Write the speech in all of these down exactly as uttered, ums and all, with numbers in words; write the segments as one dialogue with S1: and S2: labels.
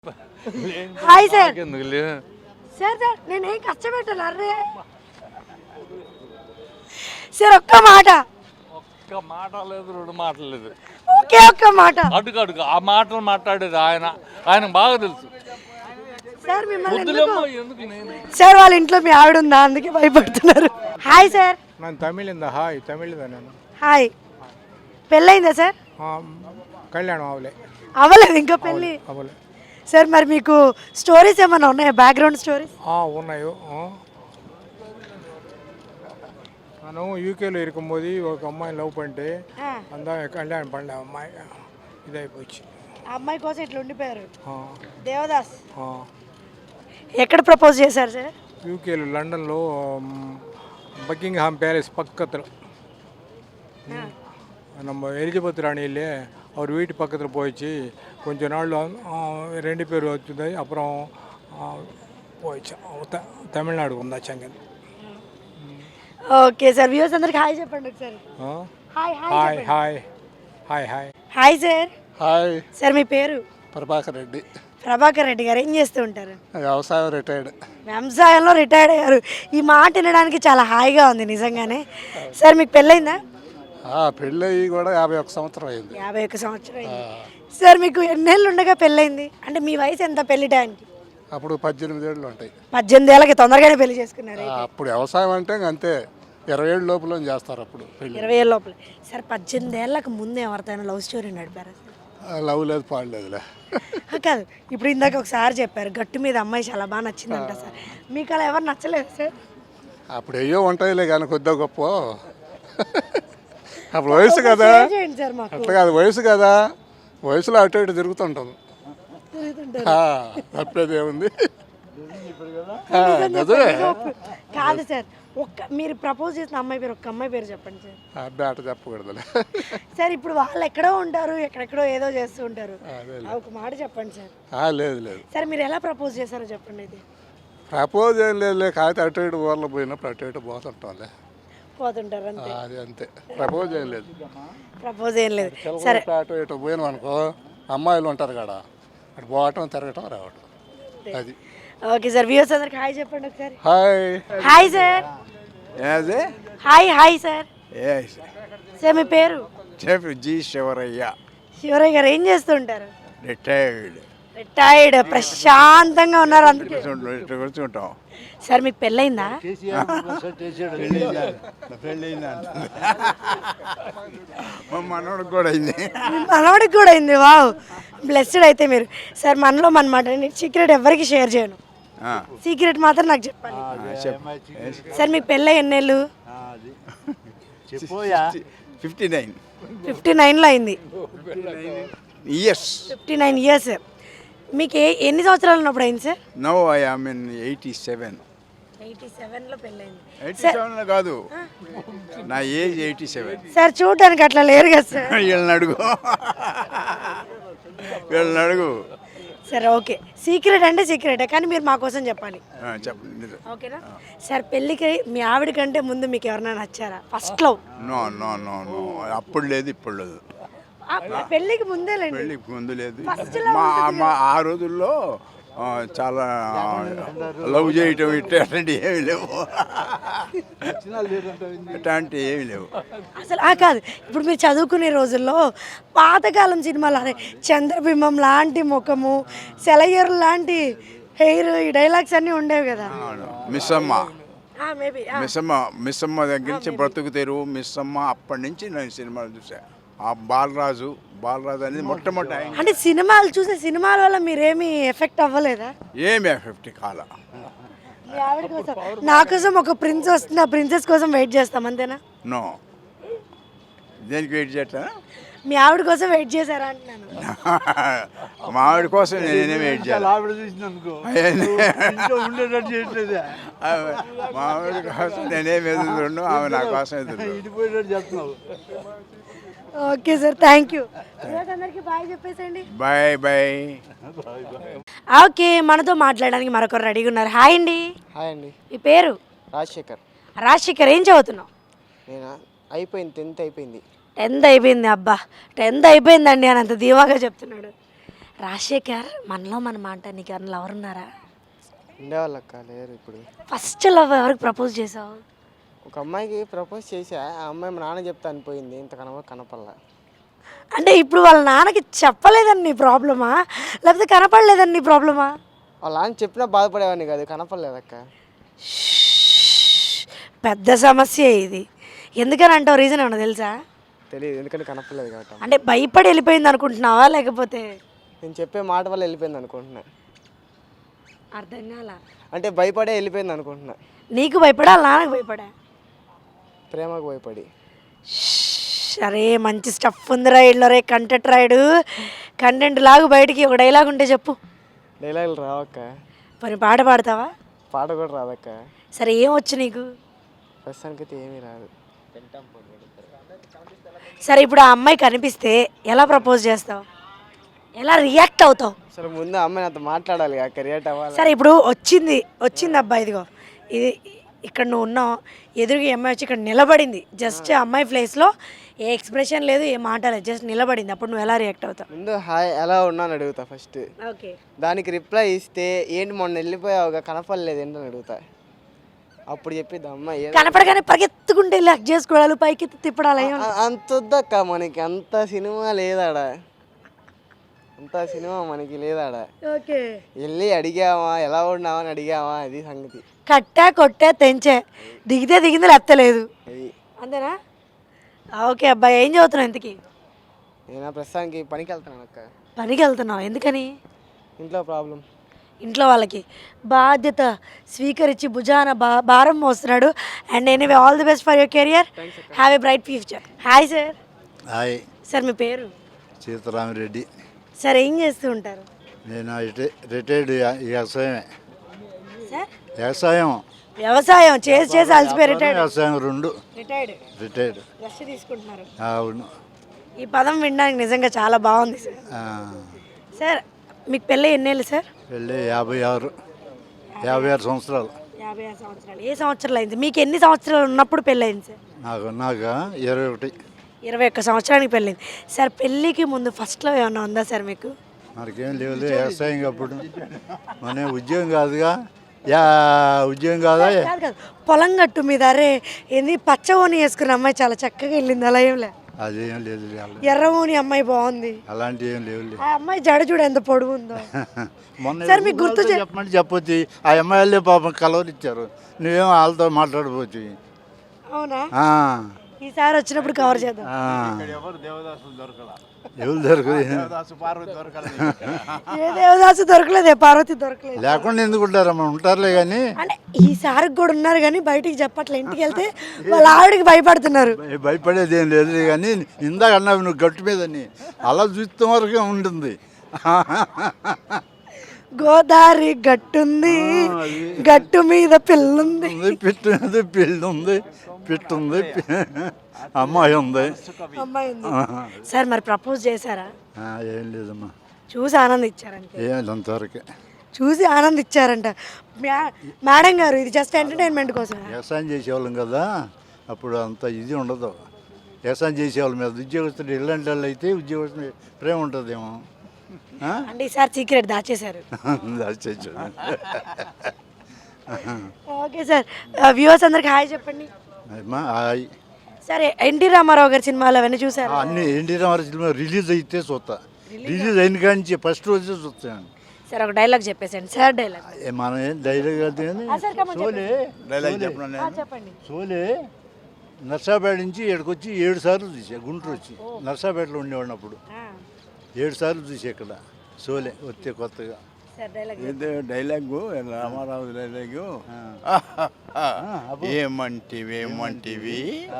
S1: Hi sir. Sir sir నేనేం కష్టపెట్టాను array sir. ఒక్క మాట
S2: ఒక్క మాట లేదు, రెండు మాటలు లేదు,
S1: ఒకే ఒక్క మాట.
S2: అడుగు అడుగు ఆ మాటలు మాట్లాడేది ఆయన, ఆయన బాగా తెలుసు.
S1: సార్ మిమ్మల్ని
S2: వద్దులేమ్మా,
S1: ఎందుకు-
S2: ఎందుకు నేను
S1: సార్ వాళ్ళ ఇంట్లో మీ ఆవిడ ఉందా అందుకే భయపడుతున్నారు. Hi sir.
S3: ನಾನು ತಮಿಳಿಂದ ಹಾಯ್ ತಮಿಳಿಂದ ನಾನು
S1: హాయ్. పెళ్ళయిందా సార్?
S3: కళ్యాణం అవలే
S1: అవ్వలేదు ఇంకా పెళ్ళి.
S3: అవలే
S1: సార్ మరి మీకు స్టోరీస్ ఏమైనా ఉన్నాయా, బ్యాక్గ్రౌండ్ స్టోరీస్?
S3: ఉన్నాయి ನಾನು యూకేలో ఇరుకుம்போది ఒక అమ్మాయిని లవ్ పంటే అందా కళ్యాణం పండే అమ్మాయి ఇదైపోయి
S1: ఆ అమ్మాయి కోసం ఇట్లా ఉండిపోయారు. దేవదాస్ ఎక్కడ ప్రపోజ్ చేశారు సార్?
S3: యూకేలో లండన్లో பக்கிங்ஹாம் பேலஸ் பக்கத்தில் நம்ம எலிஜபெத் ராணி இல்லையே அவர் வீட்டு பக்கத்தில் போயிடுச்சு. கொஞ்ச நாள் ரெண்டு பேர் வச்சுது. அப்புறம் போயிடுச்சு తమిళనాడు ఉందాச்சு అங்கே.
S1: Okay sir. వ్యూవర్స్ అందరికి హాయ్ చెప్పండి ఒకసారి. Hi
S3: hi hi hi hi
S1: hi sir.
S4: Hi.
S1: Sir మీ పేరు?
S4: ప్రభాకర్ రెడ్డి.
S1: ప్రభాకర్ రెడ్డి గారు ఏం చేస్తూ ఉంటారు?
S4: వ్యవసాయం రిటైర్డ్.
S1: వ్యవసాయంలో రిటైర్డ్ అయ్యారు. ఈ మాట వినడానికి చాలా హాయిగా ఉంది నిజంగానే. సార్ మీకు పెళ్ళైందా?
S4: పెళ్ళి అయ్యి కూడా యాభై ఒక్క సంవత్సరం అయింది.
S1: యాభై ఒక్క సంవత్సరం అయింది. సార్ మీకు ఎన్నేళ్ళు ఉండగా పెళ్ళైంది? అంటే మీ వయసు ఎంత పెళ్లి టైంకి?
S4: అప్పుడు పద్దెనిమిది ఏళ్ళు ఉంటాయి.
S1: పద్దెనిమిది ఏళ్ళకి తొందరగానే పెళ్లి చేసుకున్నారు.
S4: అప్పుడు వ్యవసాయం అంటే అంతే, ఇరవై ఏళ్ళ లోపల చేస్తారు అప్పుడు పెళ్ళి.
S1: ఇరవై ఏళ్ళ లోపల. సార్ పద్దెనిమిది ఏళ్ళకి ముందే ఎవరితోనైనా లవ్ స్టోరీ నడిపారా?
S4: లవ్ లేదు, పాడలేదులే.
S1: కాదు, ఇప్పుడు ఇందాక ఒకసారి చెప్పారు గట్టు మీద అమ్మాయి చాలా బాగా నచ్చిందంట సార్. మీకు అలా ఎవరు నచ్చలేదు సార్?
S4: అప్పుడు అయ్యో ఉంటాయిలే కానీ కొద్దిగా గొప్ప. అప్పుడు వయసు కదా,
S1: చేయండి సార్ మాకు.
S4: అట్లా కాదు, వయసు కదా, వయసులో అటు ఇటు తిరుగుతుంటాం. తప్పేది ఏముంది?
S1: కాదు సార్, ఒక్క మీరు ప్రపోజ్ చేసిన అమ్మాయి పేరు, ఒక్క అమ్మాయి పేరు చెప్పండి సార్.
S4: అబ్బాయి అట చెప్పకూడదులే.
S1: సార్ ఇప్పుడు వాళ్ళు ఎక్కడో ఉంటారు, ఎక్కడెక్కడో ఏదో చేస్తూ ఉంటారు. ఒక మాట చెప్పండి సార్.
S4: లేదు లేదు.
S1: సార్ మీరు ఎలా ప్రపోజ్ చేశారో చెప్పండి. అయితే
S4: ప్రపోజ్ ఏం లేదు, కాకపోతే అటు ఇటు ఊర్లో పోయినప్పుడు అటు ఇటు పోతుంటాంలే,
S1: పోతుంటారు అంతే.
S4: అది అంతే. ప్రపోజ్ ఏం లేదు.
S1: ప్రపోజ్ ఏం లేదు. సరే,
S4: అటు ఇటు పోయినాం అనుకో, అమ్మాయిలు ఉంటారు కదా, అటు పోవటం తిరగటం రావటం, అది.
S1: Okay sir. వ్యూవర్స్ అందరికి హాయ్ చెప్పండి ఒకసారి.
S4: Hi.
S1: Hi sir. Hi hi sir. Sir మీ పేరు?
S5: చెప్పు. జీ శివరయ్య.
S1: శివరయ్య గారు ఏం చేస్తుంటారు?
S5: రిటైర్డ్.
S1: రిటైర్డ్. ప్రశాంతంగా ఉన్నారు అందుకే.
S5: కూర్చుంటాం.
S1: సార్ మీకు పెళ్ళయిందా?
S5: మా మనోడికి కూడా అయింది.
S1: మనవాడికి కూడా అయింది. వావ్, బ్లెస్డ్ అయితే మీరు. సార్ మనలో మన మాట సీక్రెట్ ఎవరికి షేర్ చేయను, సీక్రెట్ మాత్రం నాకు చెప్పండి. సార్ మీకు పెళ్ళి ఎన్నేళ్ళు?
S5: ఫిఫ్టీ నైన్
S1: ఫిఫ్టీ నైన్లో అయింది.
S5: ఇయర్స్.
S1: Fifty nine years. మీకు ఏ ఎన్ని సంవత్సరాలు ఉన్నప్పుడు అయింది sir?
S5: No I am in eighty seven.
S1: Eighty సెవెన్లో పెళ్ళయింది.
S5: ఎయిటీ సెవెన్లో కాదు, నా ఏజ్ ఎయిటీ సెవెన్.
S1: సార్ చూడటానికి అట్లా లేరు కదా సార్.
S5: వీళ్ళని అడుగు, వీళ్ళని అడుగు.
S1: సరే ఓకే, సీక్రెట్ అంటే సీక్రెటే కానీ మీరు మా కోసం చెప్పాలి.
S5: చెప్పండి.
S1: ఓకేనా సార్? పెళ్ళికి మీ ఆవిడ కంటే ముందు మీకు ఎవరైనా నచ్చారా ఫస్ట్ లో?
S5: నో నో నో నో అప్పుడు లేదు, ఇప్పుడు లేదు.
S1: పెళ్ళికి ముందే లేదు,
S5: పెళ్ళికి ముందు లేదు. మా మా ఆ రోజుల్లో చాలా లవ్ చేయటం ఇట్లా అట్లాంటివి ఏమి లేవు, అట్లాంటివి ఏమి లేవు
S1: అసలు. ఆ కాదు, ఇప్పుడు మీరు చదువుకునే రోజుల్లో పాతకాలం సినిమాలు అరే చంద్రబింబం లాంటి ముఖము, సెలయర్ లాంటి హెయిర్, ఈ డైలాగ్స్ అన్నీ ఉండేవి కదా.
S5: మిస్సమ్మ,
S1: మేబీ
S5: మిస్సమ్మ మిస్సమ్మ దగ్గర నుంచి బ్రతుకు తెరువు, మిస్సమ్మ, అప్పటి నుంచి నేను సినిమాలు చూసా. ఆ బాలరాజు బాలరాజు అనేది మొట్టమొదటి.
S1: అంటే సినిమాలు చూసే సినిమాల వల్ల మీరేమి ఎఫెక్ట్ అవ్వలేదా?
S5: ఏమి ఎఫెక్ట్ కాల.
S1: మీ ఆవిడ కోసం, నా కోసం ఒక ప్రిన్స్ వస్తుంది, ఆ ప్రిన్సెస్ కోసం వెయిట్ చేస్తాం అంతేనా?
S5: నో. దేనికి వెయిట్ చేయట్లా?
S1: మీ ఆవిడ కోసం వెయిట్ చేశారా అంటున్నాను.
S5: మా ఆవిడ కోసం నేనే వెయిట్ చేయాలి. మా ఆవిడ కోసం నేనేం ఎదురుతుండు, ఆమె నా కోసం ఎదురు.
S1: Okay sir, thank you. అందరికీ బాయ్ చెప్పేసండి.
S5: Bye bye.
S1: ఓకే, మనతో మాట్లాడడానికి మరొకరు రెడీగా ఉన్నారు. హాయ్ అండి.
S6: హాయ్ అండి.
S1: ఈ పేరు?
S6: రాజశేఖర్.
S1: రాజశేఖర్, ఏం చదువుతున్నావు?
S6: నేను అయిపోయింది, టెన్త్ అయిపోయింది.
S1: టెన్త్ అయిపోయింది. అబ్బా, టెన్త్ అయిపోయిందండి అని అంత ధీమాగా చెప్తున్నాడు. రాజశేఖర్ మనలో మన మాట నీకు ఎవరైనా లవర్ ఉన్నారా?
S6: ఉండేవాళ్ళు అక్క, లేరు ఇప్పుడు.
S1: ఫస్ట్ లవ్ ఎవరికి ప్రపోజ్ చేసావు?
S6: ఒక అమ్మాయికి ప్రపోజ్ చేశా, ఆ అమ్మాయి మా నాన్న చెప్తా అనిపోయింది, ఇంత కనవ కనపల్లా.
S1: అంటే ఇప్పుడు వాళ్ళ నాన్నకి చెప్పలేదని నీ ప్రాబ్లమా, లేకపోతే కనపడలేదని నీ ప్రాబ్లమా?
S6: వాళ్ళ నాన్న చెప్పినా బాధపడేవాడిని కాదు, కనపడలేదక్క.
S1: పెద్ద సమస్య ఇది. ఎందుకని అంటావు? రీజన్ ఏమన్నా తెలుసా?
S6: తెలియదు, ఎందుకంటే కనపడలేదు కాబట్టి.
S1: అంటే భయపడి వెళ్ళిపోయింది అనుకుంటున్నావా, లేకపోతే
S6: నేను చెప్పే మాట వల్ల వెళ్ళిపోయింది అనుకుంటున్నా.
S1: అర్థం కాలా?
S6: అంటే భయపడే వెళ్ళిపోయింది అనుకుంటున్నా.
S1: నీకు భయపడా, వాళ్ళ నాన్నకు భయపడా?
S6: ప్రేమకు భయపడి.
S1: సరే, మంచి స్టఫ్ ఉంది రైడ్లో రే, కంటెంట్ రాయుడు. కంటెంట్ లాగు బయటికి ఒక డైలాగ్ ఉంటే చెప్పు.
S6: డైలాగులు రావక్క.
S1: మరి పాట పాడతావా?
S6: పాట కూడా రాదక్క.
S1: సరే, ఏం వచ్చు నీకు?
S6: ప్రస్తుతానికైతే ఏమీ రాదు.
S1: సరే, ఇప్పుడు ఆ అమ్మాయి కనిపిస్తే ఎలా ప్రపోజ్ చేస్తావు, ఎలా రియాక్ట్ అవుతావు?
S6: అసలు ముందు అమ్మాయి నాతో మాట్లాడాలి అక్క, రియాక్ట్ అవ్వాలి.
S1: సరే, ఇప్పుడు వచ్చింది వచ్చింది అబ్బాయి, ఇదిగో ఇది ఇక్కడ నువ్వు ఉన్నావు, ఎదురుగా ఈ అమ్మాయి వచ్చి ఇక్కడ నిలబడింది. జస్ట్ అమ్మాయి ప్లేస్లో ఏ ఎక్స్ప్రెషన్ లేదు, ఏ మాట లేదు, జస్ట్ నిలబడింది. అప్పుడు నువ్వు ఎలా రియాక్ట్ అవుతావు?
S6: ముందు హాయ్ ఎలా ఉన్నాను అడుగుతా ఫస్ట్.
S1: ఓకే.
S6: దానికి రిప్లై ఇస్తే ఏంటి మొన్న వెళ్ళిపోయావుగా కనపడలేదు ఏంటని అడుగుతా. అప్పుడు చెప్పిద్ది అమ్మాయి
S1: కనపడగానే పరిగెత్తుకుంటే లెక్ చేసుకోవడాలు, పైకి తిప్పడాలి.
S6: అంత వద్దక్క మనకి, అంత సినిమా లేదాడ, అంత సినిమా మనకి లేదాడ.
S1: ఓకే.
S6: వెళ్ళి అడిగావా ఎలా ఉన్నావా అని అడిగావా, అది సంగతి.
S1: కట్టా కొట్టా తెంచే, దిగితే దిగింది లేత్తలేదు,
S6: అది
S1: అంతేనా? ఓకే అబ్బాయి, ఏం చదువుతున్నావు ఇంతకీ?
S6: నేను ప్రస్తుతానికి పనికి వెళ్తాను అక్క.
S1: పనికి వెళ్తున్నావు, ఎందుకని?
S6: ఇంట్లో ప్రాబ్లం.
S1: ఇంట్లో వాళ్ళకి బాధ్యత స్వీకరించి భుజాన బా భారం మోస్తున్నాడు. And anyway, all the best for your career, have a bright future. Hi sir.
S7: Hi
S1: sir, మీ పేరు?
S7: సీతారామిరెడ్డి.
S1: సార్, ఏం చేస్తూ ఉంటారు?
S7: నేను రిటైర్డ్ వ్యవసాయమే.
S1: సార్,
S7: వ్యవసాయం
S1: వ్యవసాయం చేసి చేసి అలసిపోయి రిటైర్డ్.
S7: వ్యవసాయం రెండు
S1: రిటైర్డ్
S7: రిటైర్డ్
S1: రెస్ట్ తీసుకుంటున్నారు.
S7: అవును.
S1: ఈ పదం వినడానికి నిజంగా చాలా బాగుంది సార్.
S7: ఆ,
S1: సార్, మీకు పెళ్ళి ఎన్నేళ్ళు సార్?
S7: వెళ్ళి యాభై ఆరు యాభై ఆరు సంవత్సరాలు.
S1: యాభై ఆరు సంవత్సరాలు. ఏ సంవత్సరాలు అయింది? మీకు ఎన్ని సంవత్సరాలు ఉన్నప్పుడు పెళ్ళి అయింది సార్?
S7: నాకు నాకు ఇరవై ఒకటి
S1: ఇరవై ఒక్క సంవత్సరానికి పెళ్ళింది. సార్, పెళ్ళికి ముందు ఫస్ట్లో ఏమన్నా ఉందా సార్ మీకు?
S7: మనకేం లేవు, వ్యవసాయం అప్పుడు మన ఉద్యోగం కాదుగా. యా ఉద్యోగం కాదా?
S1: కాదు కాదు, పొలం గట్టు మీద అరే ఏంది పచ్చ ఓని వేసుకున్న అమ్మాయి చాలా చక్కగా వెళ్ళింది, అలా ఏం లే?
S7: అదేం లేదు,
S1: ఎర్ర ఓని అమ్మాయి బాగుంది,
S7: అలాంటి ఏం లేవు.
S1: ఆ అమ్మాయి జడ చూడు ఎంత పొడుగు ఉందో.
S7: మొన్న
S1: సార్, మీకు గుర్తు చే-
S7: చెప్పమంటే చెప్పొచ్చు. ఆ అమ్మాయిలే పాపం కలవరు ఇచ్చారు, నువ్వేమో వాళ్ళతో మాట్లాడపోవచ్చు.
S1: అవునా?
S7: ఆ,
S1: ఈసారి వచ్చినప్పుడు కవర్ చేద్దాం.
S7: ఆ. ఎవరు దొరకదు,
S1: ఏ దేవదాసు దొరకలేదు, ఏ పార్వతి దొరకలేదు.
S7: లేకుండా ఎందుకు ఉంటారమ్మా? ఉంటారులే కానీ
S1: అంటే ఈసారి కూడా ఉన్నారు కానీ బయటికి చెప్పట్లే. ఇంటికి వెళ్తే వాళ్ళ ఆవిడకి భయపడుతున్నారు.
S7: భయపడేది ఏం లేదు. కానీ ఇందాక అన్నావు నువ్వు గట్టు మీదని, అలా చూస్తే వరకే ఉంటుంది.
S1: గోదావరి గట్టుంది, గట్టు మీద పిల్లుంది,
S7: పిట్టు ఉంది, పిల్లి ఉంది, పిట్టు ఉంది, అమ్మాయి ఉంది.
S1: అమ్మాయి ఉంది. సార్, మరి ప్రపోజ్ చేశారా?
S7: ఆ, ఏం లేదమ్మా,
S1: చూసి ఆనందించారంట.
S7: ఏం లేదు, అంతవరకే.
S1: చూసి ఆనందించారంట. మ్యా- మేడం గారు, ఇది జస్ట్ ఎంటర్టైన్మెంట్ కోసం.
S7: వ్యవసాయం చేసేవాళ్ళం కదా, అప్పుడు అంత ఇది ఉండదు. వ్యవసాయం చేసేవాళ్ళం మీద ఉద్యోగస్తులు ఇలాంటి వాళ్ళు అయితే ఉద్యోగస్తులు ప్రేమ ఉంటుందేమో.
S1: అంటే ఈసారి సీక్రెట్ దాచేశారు.
S7: దాచేచ్చు.
S1: ఓకే సార్, వ్యూవర్స్ అందరికి హాయ్ చెప్పండి.
S7: అమ్మా, హాయ్.
S1: సరే, ఎన్టీ రామారావు గారి సినిమాలు అవన్నీ చూసారు?
S7: అన్ని ఎన్టీ రామారావు సినిమా రిలీజ్ అయితే చూస్తా. రిలీజ్ అయిన కాడి నుంచి ఫస్ట్ రోజే చూస్తాను.
S1: సార్, ఒక డైలాగ్ చెప్పేసండి సార్. డైలాగ్
S7: మనం ఏం డైలాగ్ కాదు కానీ సోలే
S5: డైలాగ్ చెప్పిన
S1: చెప్పండి.
S7: సోలే నర్సాపేట నుంచి ఇక్కడికి వచ్చి ఏడు సార్లు చూసా. గుంటూరు వచ్చి నర్సాపేటలో ఉండేవాడిని అప్పుడు. ఏడు సార్లు చూసా ఇక్కడ సోలే వస్తే కొత్తగా.
S1: Sir, dialogue
S5: dialogue Rama Rao dialogue ఏమంటివి ఏమంటివి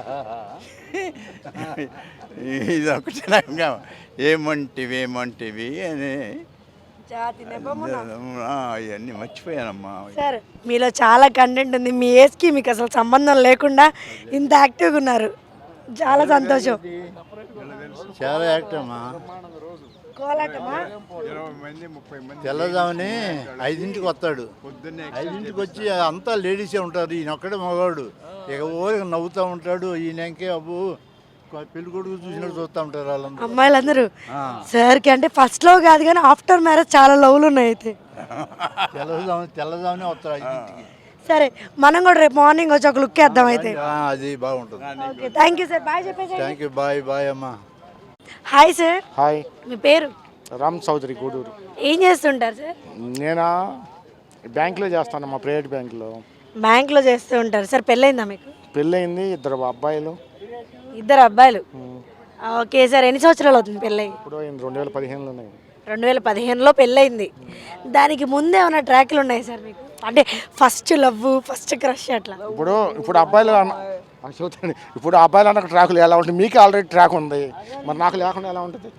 S5: ఇది ఒకటి ఏమంటివి ఏమంటివి అని
S1: జాతి నెపమున.
S5: అవన్నీ మర్చిపోయానమ్మా.
S1: సార్, మీలో చాలా కంటెంట్ ఉంది. మీ ఏజ్కి మీకు అసలు సంబంధం లేకుండా ఇంత యాక్టివ్గా ఉన్నారు, చాలా సంతోషం.
S7: చాలా యాక్ట్ అమ్మా.
S1: కోలాటమా?
S5: ఇరవై మంది ముప్పై మంది
S7: తెల్లదామని ఐదింటికి వస్తాడు. ఐదింటికి వచ్చి అంతా లేడీసే ఉంటారు, ఈయన ఒక్కడే మగవాడు. ఇక ఊరికి నవ్వుతూ ఉంటాడు. ఈయనకే అబ్బు పెళ్లి కొడుకు చూసినట్టు చూస్తూ ఉంటారు వాళ్ళందరూ.
S1: అమ్మాయిలందరూ సార్కి అంటే ఫస్ట్ లో కాదు కానీ ఆఫ్టర్ మ్యారేజ్ చాలా లవ్లు ఉన్నాయి అయితే.
S7: తెల్లదాము తెల్లదామనే వస్తారు ఇంటికి.
S1: సరే మనం కూడా రేపు మార్నింగ్ వచ్చి ఒక లుక్ వేద్దాం అయితే.
S7: ఆ, అది బాగుంటుంది.
S1: Okay thank you sir bye చెప్పేసి.
S7: థ్యాంక్ యూ బాయ్ బాయ్ అమ్మా.
S1: Hi sir.
S8: హాయ్,
S1: మీ పేరు?
S8: రామ్ చౌదరి గూడూరు.
S1: ఏం చేస్తుంటారు సార్?
S8: నేను బ్యాంక్లో చేస్తాను, మా ప్రైవేట్ బ్యాంక్లో.
S1: బ్యాంక్లో చేస్తూ ఉంటారు సార్. పెళ్ళైందా మీకు?
S8: పెళ్ళయింది, ఇద్దరు అబ్బాయిలు.
S1: ఇద్దరు అబ్బాయిలు. ఓకే సార్ ఎన్ని సంవత్సరాలు అవుతుంది పెళ్ళై?
S8: ఇప్పుడు అయింది రెండు వేల పదిహేనులో ఉన్నాయి.
S1: రెండు వేల పదిహేనులో పెళ్ళయింది. దానికి ముందే ఏమైనా ట్రాక్లు ఉన్నాయి సార్ మీకు? అంటే ఫస్ట్ లవ్ ఫస్ట్ క్రష్ అట్లా?
S8: ఇప్పుడు ఇప్పుడు అబ్బాయిలు అన్న- ఆ, చెబుతాను. ఇప్పుడు అబ్బాయిలు అన్న ట్రాకులు ఎలా ఉంటుంది? మీకు ఆల్రెడీ ట్రాక్ ఉంది, మరి నాకు లేకుండా ఎలా ఉంటుంది?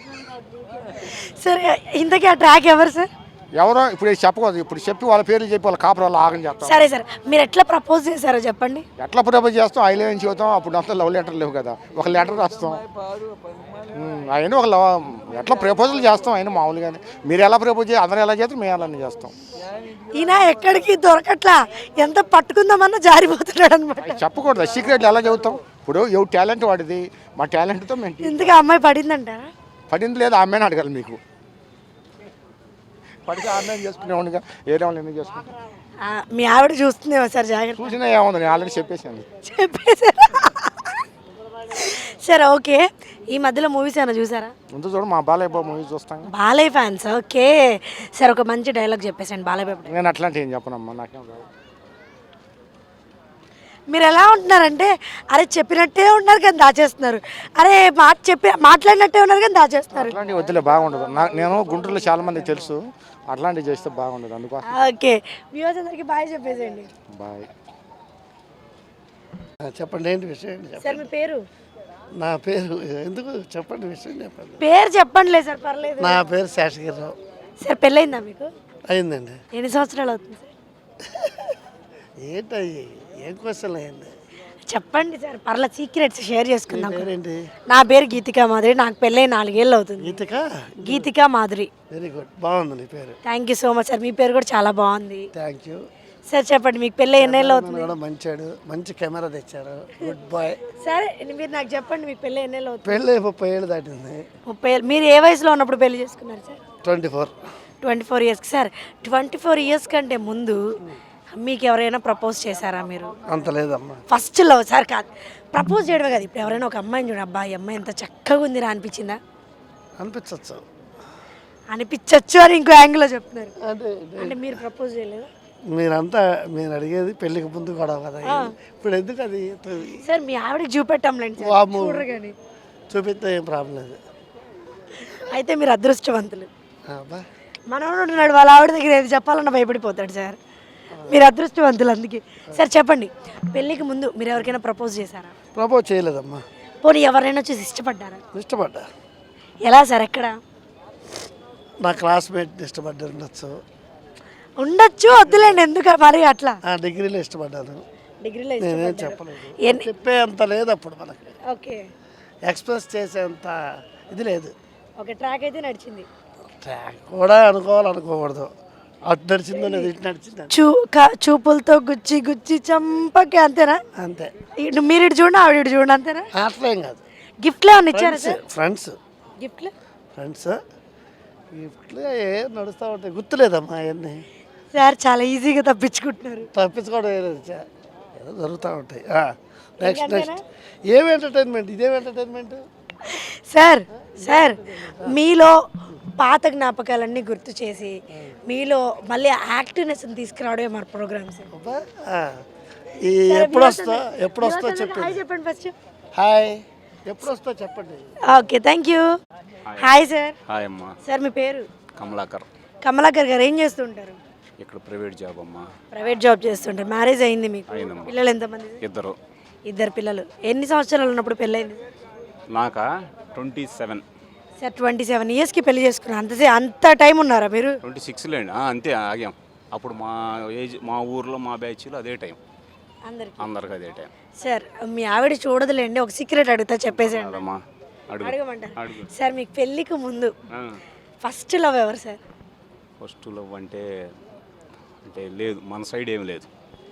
S1: సరే ఇంతకీ ఆ ట్రాక్ ఎవరు సార్?
S8: ఎవరో ఇప్పుడు చెప్పకూడదు, ఇప్పుడు చెప్పి వాళ్ళ పేర్లు చెప్పి వాళ్ళ కాపురాలు ఆగని చేస్తాం.
S1: సరే సార్ మీరు ఎట్లా ప్రపోజ్ చేశారో చెప్పండి.
S8: ఎట్లా ప్రపోజ్ చేస్తాం? ఐ లవ్ అని చెబుతాం. అప్పుడు అంతా లవ్ లెటర్ లేవు కదా, ఒక లెటర్ రాస్తాం. అయినా ఒక లవ్ ఎట్లా ప్రపోజల్ చేస్తాం అయినా మామూలుగానే. మీరు ఎలా ప్రపోజ్ చేయాలి, అందరూ ఎలా చేస్తారు, మేము అలానే చేస్తాం.
S1: ఈయన ఎక్కడికి దొరకట్లా, ఎంత పట్టుకుందామన్నా జారిపోతున్నాడు అనమాట.
S8: చెప్పకూడదు, సీక్రెట్లు ఎలా చెబుతాం? ఇప్పుడు ఎవరు టాలెంట్ వాడిది, మా టాలెంట్తో మేము.
S1: ఇంతకీ ఆ అమ్మాయి పడిందంటారా?
S8: పడింది లేదు, ఆ అమ్మాయిని అడగాలి మీకు. పడితే ఆ అమ్మాయిని చేసుకునేవాడిగా, ఏరే వాళ్ళు ఎందుకు చేసుకుంటాం?
S1: ఆ, మీ ఆవిడ చూస్తుందేమో సార్ జాగ్రత్త.
S8: చూసినా ఏముంది, నేను ఆల్రెడీ చెప్పేసాను.
S1: చెప్పేసారా? సరే ఓకే ఈ మధ్యలో మూవీస్ ఏమైనా చూసారా?
S8: ముందు చూడు, మా బాలయ్య బాబు మూవీ చూస్తాం.
S1: బాలయ్య ఫ్యాన్స్. ఓకే సార్ ఒక మంచి డైలాగ్ చెప్పేసండి బాలయ్య బాబు.
S8: నేను అట్లాంటి ఏం చెప్పనమ్మా, నాకేం రాదు.
S1: మీరు ఎలా ఉంటున్నారంటే అరే చెప్పినట్టే ఉన్నారు కానీ దాచేస్తున్నారు, అరే మాట చెప్పి మాట్లాడినట్టే ఉన్నారు కానీ దాచేస్తున్నారు.
S8: అట్లాంటివి వద్దులే, బాగుండదు. నా నేను గుంటూరులో చాలా మంది తెలుసు, అట్లాంటివి చేస్తే బాగుండదు. అందుకోసం
S1: ఓకే వ్యూవర్స్ అందరికి బాయ్ చెప్పేసేయండి.
S8: బాయ్.
S9: చెప్పండి ఏంటి విషయం
S1: సార్ మీ పేరు?
S9: నా పేరు ఎందుకు చెప్పండి విషయం చెప్పండి.
S1: పేరు చెప్పండిలే సార్ పర్లేదు.
S9: నా పేరు శేషగిరిరావు.
S1: సార్ పెళ్ళయిందా మీకు?
S9: అయిందండి.
S1: ఎన్ని సంవత్సరాలు అవుతుంది సార్?
S9: ఏంటయ్యి ఏం క్వశ్చన్ అయ్యింది
S1: చెప్పండి సార్ పర్లేదు, సీక్రెట్స్ షేర్ చేసుకుందాం.
S9: పేరేంటి?
S1: నా పేరు గీతికా మాధురి, నాకు పెళ్ళై నాలుగేళ్ళు అవుతుంది.
S9: గీతిక
S1: గీతికా మాధురి.
S9: వెరీ గుడ్, బాగుంది నీ పేరు.
S1: Thank you so much sir, మీ పేరు కూడా చాలా బాగుంది.
S9: థ్యాంక్ యూ
S1: సార్ చెప్పండి మీకు పెళ్ళై ఎన్నేళ్ళు అవుతుంది?
S9: కూడా మంచాడు, మంచి కెమెరా తెచ్చారు, గుడ్ బాయ్.
S1: సరే మీరు నాకు చెప్పండి మీకు పెళ్ళై ఎన్నేళ్ళు అవుతుంది?
S9: పెళ్ళి ముప్పై ఏళ్ళు దాటింది.
S1: ముప్పై ఏళ్ళు. మీరు ఏ వయసులో ఉన్నప్పుడు పెళ్లి చేసుకున్నారు sir?
S9: Twenty four
S1: twenty four ఇయర్స్కి. సార్ ట్వంటీ ఫోర్ ఇయర్స్ కంటే ముందు మీకు ఎవరైనా ప్రపోజ్ చేశారా మీరు?
S9: అంత లేదమ్మా.
S1: ఫస్ట్ లవ్ సార్ కాదు, ప్రపోజ్ చేయడమే కదా. ఇప్పుడు ఎవరైనా ఒక అమ్మాయిని చూడ, అబ్బా ఈ అమ్మాయి ఎంత చక్కగా ఉందిరా అనిపించిందా?
S9: అనిపించచ్చు.
S1: అనిపించచ్చు అని ఇంకో యాంగిల్లో చెప్తున్నారు.
S9: అంటే
S1: అంటే మీరు ప్రపోజ్ చేయలేదు?
S9: మీరంతా మీరు అడిగేది పెళ్ళికి ముందు కూడా కదా, ఇప్పుడు ఎందుకు అది?
S1: సార్ మీ ఆవిడకి చూపెట్టాంలేండి సార్,
S9: వామ్మో.
S1: చూడరు కానీ.
S9: చూపిస్తే ఏం ప్రాబ్లం లేదు.
S1: అయితే మీరు అదృష్టవంతులు.
S9: అబ్బా
S1: మనోడు ఉంటున్నాడు, వాళ్ళ ఆవిడ దగ్గర ఏది చెప్పాలన్నా భయపడిపోతాడు సార్. మీరు అదృష్టవంతులు అందుకే. సార్ చెప్పండి పెళ్ళికి ముందు మీరు ఎవరికైనా ప్రపోజ్ చేశారా?
S9: ప్రపోజ్ చేయలేదమ్మా.
S1: పోనీ ఎవరైనా చూసి ఇష్టపడ్డారా?
S9: ఇష్టపడ్డా.
S1: ఎలా సార్ ఎక్కడ?
S9: నా క్లాస్మేట్ ఇష్టపడ్డా ఉండొచ్చు.
S1: ఉండొచ్చు, వద్దులేండి ఎందుకు మరి అట్లా.
S9: ఆ డిగ్రీలో ఇష్టపడ్డాను.
S1: డిగ్రీలో
S9: నేనేం
S1: ఇష్టపడ్డారు.
S9: చెప్పలేదు.
S1: ఎన్ని-
S9: చెప్పే అంత లేదు అప్పుడు మనకి,
S1: ఓకే
S9: ఎక్స్ప్రెస్ చేసేంత ఇది లేదు.
S1: ఓకే ట్రాక్ అయితే నడిచింది.
S9: ట్రాక్ కూడా అనుకోవాలనుకోకూడదు, అటు నడిచిందో లేదు ఇటు నడిచింది
S1: చూ క- చూపులతో గుచ్చి గుచ్చి చంపకి అంతేనా?
S9: అంతే.
S1: ఇటు మీరు ఇటు చూడండి ఆవిడ ఇటు చూడండి అంతేనా?
S9: అట్లేం కాదు.
S1: గిఫ్ట్లు ఏమన్నా ఇచ్చారా సార్?
S9: ఫ్రెండ్స్
S1: గిఫ్ట్లు
S9: ఫ్రెండ్స్ గిఫ్ట్లు ఏ నడుస్తూ ఉంటాయి, గుర్తులేదమ్మా అవన్నీ.
S1: సార్ చాలా ఈజీగా తప్పించుకుంటున్నారు.
S9: తప్పించుకోవడం ఏదో చ- ఏదో జరుగుతూ ఉంటాయి. నెక్స్ట్ నెక్స్ట్ ఏం ఎంటర్టైన్మెంట్, ఇదేం ఎంటర్టైన్మెంట్?
S1: సార్ సార్ మీలో పాత జ్ఞాపకాలన్నీ గుర్తు చేసి మీలో మళ్ళీ యాక్టివ్నెస్ తీసుకురావడమే మన ప్రోగ్రామ్స్.
S9: అబ్బా, ఆ. ఈ ఎప్పుడు వస్తా ఎప్పుడు వస్తా చెప్పండి.
S1: చెప్పండి ఫస్ట్.
S9: హాయ్, ఎప్పుడు వస్తా చెప్పండి.
S1: Okay thank you. Hi sir.
S2: Hi అమ్మా,
S1: సార్ మీ పేరు?
S2: కమలాకర్.
S1: కమలాకర్ గారు ఏం చేస్తుంటారు?
S2: ఇక్కడ ప్రైవేట్ జాబ్ అమ్మా.
S1: ప్రైవేట్ జాబ్ చేస్తుంటారు. మ్యారేజ్ అయింది మీకు?
S2: అయిందమ్మా.
S1: పిల్లలు ఎంతమంది?
S2: ఇద్దరు.
S1: ఇద్దరు పిల్లలు. ఎన్ని సంవత్సరాలు ఉన్నప్పుడు పెళ్ళైంది?
S2: నాకా twenty seven
S1: sir twenty seven ఇయర్స్కి పెళ్లి చేసుకున్నారు. అంతసే అంత టైం ఉన్నారా మీరు?
S2: ట్వంటీ సిక్స్లో అండి, అంతే ఆగాం. అప్పుడు మా ఏజ్ మా ఊర్లో మా బ్యాచ్లో అదే టైం,
S1: అందరికి.
S2: అందరికి అదే టైం.
S1: సార్ మీ ఆవిడ చూడదులేండి, ఒక సీక్రెట్ అడుగుతా చెప్పేసేయండి.
S2: అదమ్మా అడుగు
S1: అడగమంటారు
S2: అడుగు.
S1: సార్ మీకు పెళ్ళికి ముందు ఫస్ట్ లవ్ ఎవరు సార్?
S2: ఫస్ట్ లవ్ అంటే అంటే లేదు, మన సైడ్ ఏం లేదు.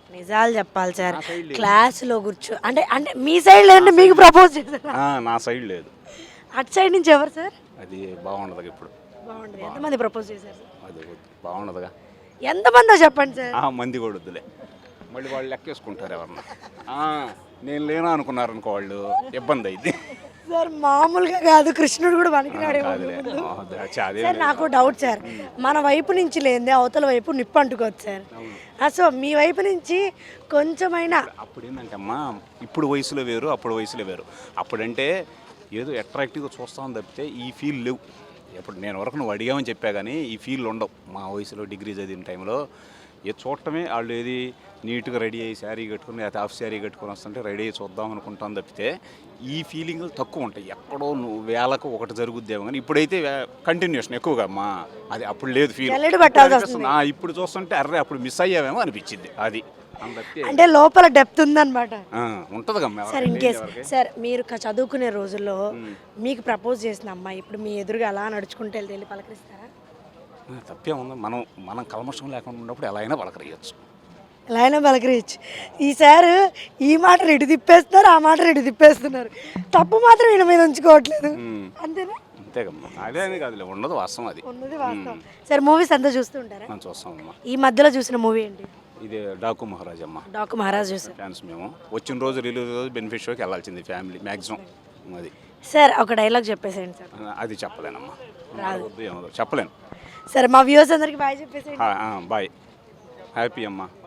S1: నిజాలు చెప్పాలి సార్, క్లాస్లో కూర్చో అంటే అంటే మీ సైడ్ లేదంటే మీకు ప్రపోజ్ చేశారా?
S2: ఆ, నా సైడ్ లేదు.
S1: అటు సైడ్ నుంచి ఎవరు సార్?
S2: అది బాగుండదు ఇప్పుడు.
S1: బాగుండదు. ఎంతమంది ప్రపోజ్ చేశారు సార్?
S2: అది వద్దు. బాగుండదుగా.
S1: ఎంతమందో చెప్పండి సార్.
S2: ఆ, మంది కూడా వద్దులే. మళ్ళీ వాళ్ళు లెక్కేసుకుంటారు ఎవరన్నా. ఆ, నేను లేనా అనుకున్నారు అనుకో వాళ్ళు, ఇబ్బంది అయింది.
S1: సార్ మామూలుగా కాదు, కృష్ణుడు కూడా పనికిరాడేమో.
S2: కాదులే. ఆ, అదే- అదే
S1: సార్ నాకు డౌట్ సార్, మన వైపు నుంచి లేదే అవతల వైపు నిప్పు అంటుకోవచ్చు సార్. ఆ, సో మీ వైపు నుంచి కొంచెమైనా
S2: అప్పుడు ఏంటంటే అమ్మా, ఇప్పుడు వయసులో వేరు, అప్పుడు వయసులో వేరు. అప్పుడంటే ఏదో అట్రాక్టివ్గా చూస్తామని తప్పితే ఈ ఫీల్ లేవు. ఇప్పుడు నేను వరకు నువ్వు అడిగామని చెప్పా కానీ ఈ ఫీల్ ఉండవు. మా వయసులో డిగ్రీ చదివిన టైంలో ఏ చూడటమే, వాళ్ళు ఏది నీట్గా రెడీ అయ్యి శారీ కట్టుకుని లేకపోతే హాఫ్ శారీ కట్టుకొని వస్తుంటే రెడీ అయ్యి చూద్దాం అనుకుంటాం తప్పితే ఈ ఫీలింగ్లు తక్కువ ఉంటాయి. ఎక్కడో నువ్వు వేలకు ఒకటి జరుగుద్దేమో కానీ ఇప్పుడైతే కంటిన్యూషన్ ఎక్కువగా అమ్మా. అది అప్పుడు లేదు ఫీల్.
S1: జల్లెడ పట్టాల్సి వస్తుంది.
S2: ఆ, ఇప్పుడు చూస్తుంటే అర్రే అప్పుడు మిస్ అయ్యావేమో అనిపించింది. అది అందుకే
S1: అంటే లోపల డెప్త్ ఉందన్నమాట.
S2: ఉంటుంది కమ్మా.
S1: సార్ ఇన్ కేస్ సార్ మీరు క- చదువుకునే రోజుల్లో మీకు ప్రపోజ్ చేసిన అమ్మాయి ఇప్పుడు మీ ఎదురుగా అలా నడుచుకుంటూ వెళ్తే వెళ్ళి పలకరిస్తారా?
S2: తప్పే ఉంది. మనం మనం కల్మషం లేకుండా ఉన్నప్పుడు ఎలా అయినా పలకరియచ్చు.
S1: ఎలా అయినా పలకరియచ్చు. ఈసారి ఈ మాట రెడి తిప్పేస్తున్నారు, ఆ మాట రెడి తిప్పేస్తున్నారు. తప్పు మాత్రం ఈయన మీద ఉంచుకోవట్లేదు. అంతేనా?
S2: అంతేకమ్మా. అదే అని కాదులే, ఉండదు వాస్తవం అది.
S1: ఉన్నది వాస్తవం. సార్ మూవీస్ అంతా చూస్తూ ఉంటారా?
S2: మనం చూస్తామమ్మా.
S1: ఈ మధ్యలో చూసిన మూవీ ఏంటి?
S2: ఇది డాకు మహారాజ్ అమ్మ.
S1: డాకు మహారాజ్ చూసారు.
S2: ఫ్యాన్స్ మేము. వచ్చిన రోజు రిలీజ్ రోజు బెనిఫిట్ షోకి వెళ్ళాల్సింది ఫ్యామిలీ మ్యాక్సిమం. అది
S1: సార్ ఒక డైలాగ్ చెప్పేసేయండి సార్.
S2: అది చెప్పలేనమ్మా. వద్దు, ఏమో చెప్పలేను.
S1: సరే మా వ్యూవర్స్ అందరికి బాయ్ చెప్పేసేయండి.
S2: బాయ్. హ్యాపీ అమ్మా.